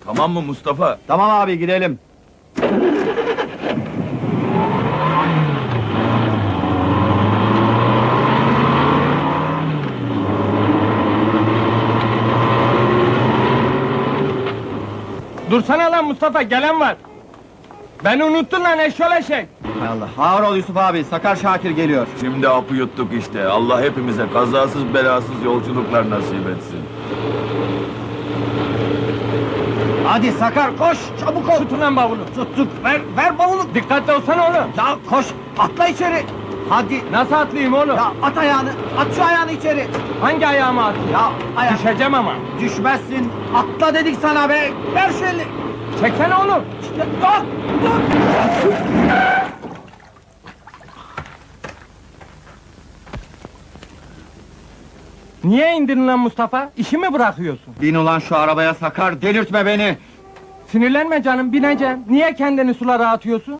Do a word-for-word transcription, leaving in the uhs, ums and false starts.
Tamam mı Mustafa? Tamam abi, gidelim. Dursana lan Mustafa, gelen var! Beni unuttun lan eşşol eşek! Hay Allah, ağır ol Yusuf abi, Sakar Şakir geliyor. Şimdi hapı yuttuk işte. Allah hepimize kazasız belasız yolculuklar nasip etsin. Hadi Sakar, koş, çabuk ol! Tutun lan bavulu! Tuttuk, ver, ver bavulu! Dikkatli olsana oğlum! Ya koş, atla içeri! Hadi! Nasıl atlayayım oğlum? Ya at ayağını, at şu ayağını içeri! Hangi ayağıma atayım? Ya ayak... Düşeceğim ama! Düşmezsin, atla dedik sana be! Ver şu elini! Çeksene oğlum! Ya, dur, dur! Niye indirin lan Mustafa? İşi mi bırakıyorsun? Bin ulan şu arabaya Sakar, delirtme beni! Sinirlenme canım, bineceğim. Niye kendini sulara atıyorsun?